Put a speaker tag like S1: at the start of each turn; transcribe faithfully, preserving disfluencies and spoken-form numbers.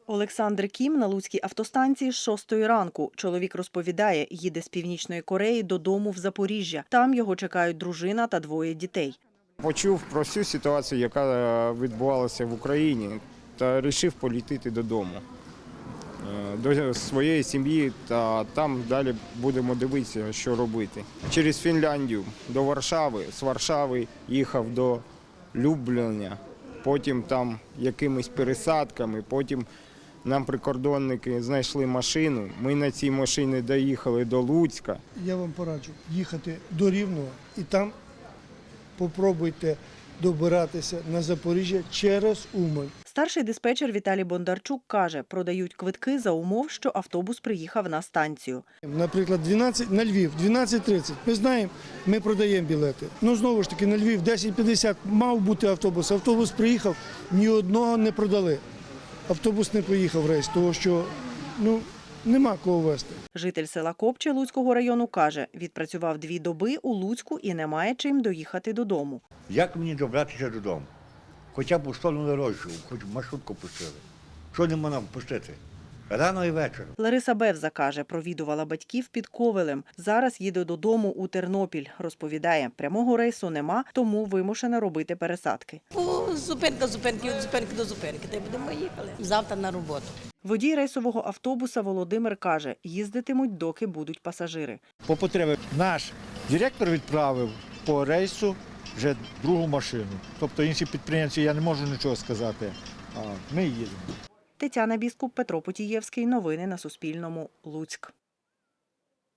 S1: Олександр Кім на Луцькій автостанції з шостої ранку. Чоловік розповідає, їде з Північної Кореї додому в Запоріжжя. Там його чекають дружина та двоє дітей.
S2: Почув про всю ситуацію, яка відбувалася в Україні, та вирішив полетіти додому, до своєї сім'ї, та там далі будемо дивитися, що робити. Через Фінляндію до Варшави, з Варшави їхав до Любліна, потім там якимись пересадками, потім нам прикордонники знайшли машину, ми на цій машині доїхали до Луцька.
S3: Я вам пораджу їхати до Рівного і там попробуйте добиратися на Запоріжжя через Умань.
S1: Старший диспетчер Віталій Бондарчук каже, продають квитки за умов, що автобус приїхав на станцію.
S3: Наприклад, дванадцять на Львів, дванадцять тридцять. Ми знаємо, ми продаємо білети. Ну, знову ж таки, на Львів десять п'ятдесят мав бути автобус. Автобус приїхав, ні одного не продали. Автобус не поїхав в рейс, тому що, ну, нема кого везти.
S1: Житель села Копче Луцького району каже, відпрацював дві доби у Луцьку і не має чим доїхати додому.
S4: Як мені добратися додому? Хоча б у сторону Рожчу, хоч маршрутку пустили. Що не можна пустити? Рано і вечором.
S1: Лариса Бевза каже, провідувала батьків під Ковелем. Зараз їде додому у Тернопіль. Розповідає, прямого рейсу нема, тому вимушена робити пересадки.
S5: По зупинка, зупинки, від зупинки до зупинки. Та й будемо їхали. Завтра на роботу.
S1: Водій рейсового автобуса Володимир каже, їздитимуть, доки будуть пасажири.
S6: По потребі наш директор відправив по рейсу вже другу машину. Тобто інші підприємці, я не можу нічого сказати, а ми їдемо.
S1: Тетяна Біскуп, Петро Потієвський. Новини на Суспільному. Луцьк.